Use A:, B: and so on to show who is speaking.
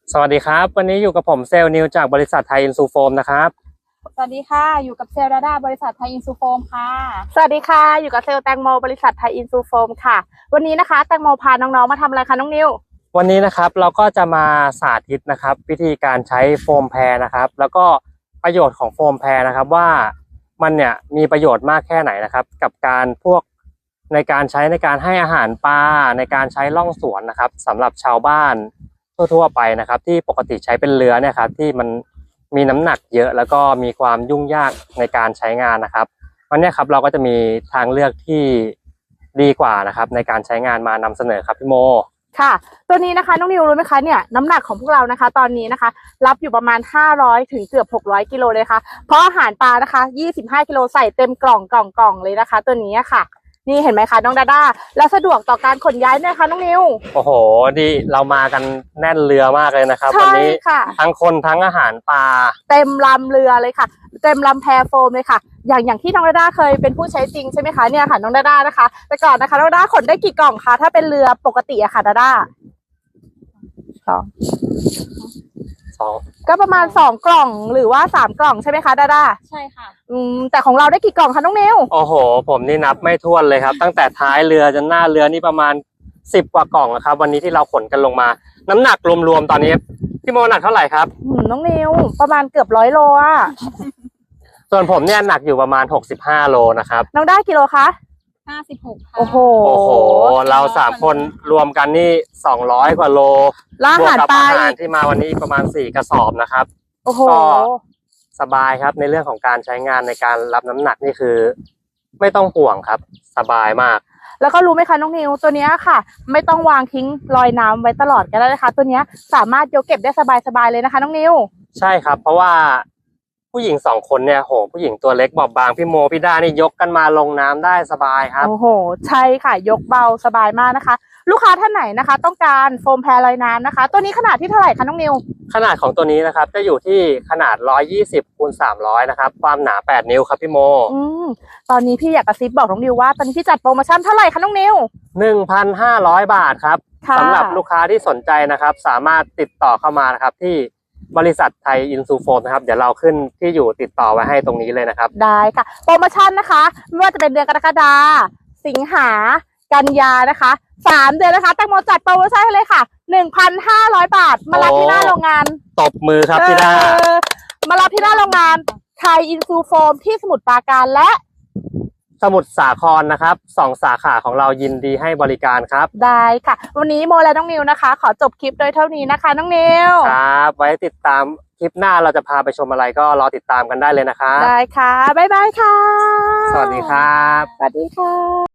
A: สวัสดีครับวันนี้อยู่กับผมเซลล์นิวจากบริษัทไทยอินซูโฟมนะครับ
B: สวัสดีค่ะอยู่กับเซลล์ดาด้าบริษัทไทยอินซูโฟมค่ะ
C: สวัสดีค่ะอยู่กับเซลล์แตงโมบริษัทไทยอินซูโฟมค่ะวันนี้นะคะแตงโมพาน้องๆมาทำอะไรคะน้องนิว
A: วันนี้นะครับเราก็จะมาสาธิตนะครับวิธีการใช้โฟมแพรนะครับแล้วก็ประโยชน์ของโฟมแพรนะครับว่ามันเนี่ยมีประโยชน์มากแค่ไหนนะครับกับการพวกในการใช้ในการให้อาหารปลาในการใช้ล่องสวนนะครับสำหรับชาวบ้านทั่วๆไปนะครับที่ปกติใช้เป็นเรือเนี่ยครับที่มันมีน้ำหนักเยอะแล้วก็มีความยุ่งยากในการใช้งานนะครับวันนี้ครับเราก็จะมีทางเลือกที่ดีกว่านะครับในการใช้งานมานำเสนอครับพี่โม
C: ค่ะตัวนี้นะคะน้องนิวรู้ไหมคะเนี่ยน้ำหนักของพวกเรานะคะตอนนี้นะคะรับอยู่ประมาณ500ถึงเกือบ600กิโลเลยค่ะเพราะอาหารปลานะคะ25กิโลใส่เต็มกล่องเลยนะคะตัวนี้ค่ะนี่เห็นไหมคะน้องดาด้าแล้วสะดวกต่อการขนย้ายไหมคะน้องนิว
A: โอ้โหดีเรามากันแน่นเรือมากเลยนะครับวันนี้ทั้งคนทั้งอาหารปลา
C: เต็มลำเรือเลยค่ะเต็มลำแพโฟมเลยค่ะอย่างที่น้องดาด้าเคยเป็นผู้ใช้จริงใช่ไหมคะเนี่ยค่ะน้องดาด้านะคะแต่ก่อนนะคะน้องดาด้าขนได้กี่กล่องคะถ้าเป็นเรือปกติอะค่ะดาด้าสองก็ประมาณ2กล่องหรือว่า3กล่องใช่ไหมคะดาด้า
B: ใช่ค่ะ
C: แต่ของเราได้กี่กล่องคะน้องนิว
A: โอ้โหผมนี่นับไม่ถ้วนเลยครับตั้งแต่ท้ายเรือจนหน้าเรือนี่ประมาณ10กว่ากล่องนะครับวันนี้ที่เราขนกันลงมาน้ำหนักรวมๆตอนนี้พี่โมหนักเท่าไหร่ครับ
C: น้องนิวประมาณเกือบ100โลอ่ะ
A: ส่วนผมเนี่ยหนักอยู่ประมาณ65โลนะครับ
C: น้องได้กิโลคะ
B: 56ค่ะ
C: โอ้โห
A: เรา3คนรวมกันนี่200กว่าโล
C: บวกกับ
A: อาหารที่มาวันนี้ประมาณ4กระสอบนะครับก็สบายครับในเรื่องของการใช้งานในการรับน้ำหนักนี่คือไม่ต้องห่วงครับสบายมาก
C: แล้วก็รู้ไหมคะน้องนิวตัวนี้ค่ะไม่ต้องวางทิ้งลอยน้ำไว้ตลอดก็ได้นะคะตัวนี้สามารถยกเก็บได้สบายเลยนะคะน้องนิว
A: ใช่ครับเพราะว่าผู้หญิง2คนเนี่ยโหผู้หญิงตัวเล็กบอบบางพี่โมพี่ด้านี่ยกกันมาลงน้ำได้สบายครับ
C: โอ้โหใช่ค่ะยกเบาสบายมากนะคะลูกค้าท่านไหนนะคะต้องการโฟมแพรลอยน้ำนะคะตัวนี้ขนาดที่เท่าไหร่คะน้องนิว
A: ขนาดของตัวนี้นะครับจะอยู่ที่ขนาด120คูณ300นะครับความหนา8นิ้วครับพี่โม
C: ตอนนี้พี่อยากกระซิบบอกน้องนิวว่าตอนนี้พี่จัดโปรโมชั่นเท่าไหร่คะน้องนิว
A: 1,500 บาทครับสำหรับลูกค้าที่สนใจนะครับสามารถติดต่อเข้ามานะครับที่บริษัทไทยอินซูโฟมนะครับเดี๋ยวเราขึ้นที่อยู่ติดต่อไว้ให้ตรงนี้เลยนะครับ
C: ได้ค่ะโปรโมชั่นนะคะไม่ว่าจะเป็นเดือนกรกฎาสิงหากันยานะคะ3เดือนนะคะแตงโมจัดโปรโมชั่นให้เลยค่ะ 1,500 บาทมารับที่หน้าโรงงาน
A: ตบมือครับพี่ดา
C: มารับที่หน้าโรงงานไทยอินซูโฟมที่สมุทรปราการและ
A: สมุทรสาครนะครับ2สาขาของเรายินดีให้บริการครับ
C: ได้ค่ะวันนี้โมและน้องนิวนะคะขอจบคลิปโดยเท่านี้นะคะน้องนิว
A: ครับไว้ติดตามคลิปหน้าเราจะพาไปชมอะไรก็รอติดตามกันได้เลยนะครับ
C: ได้ค่ะบ๊ายบายค่ะ
A: สวัสดีครับ
C: สวัสดีค่ะ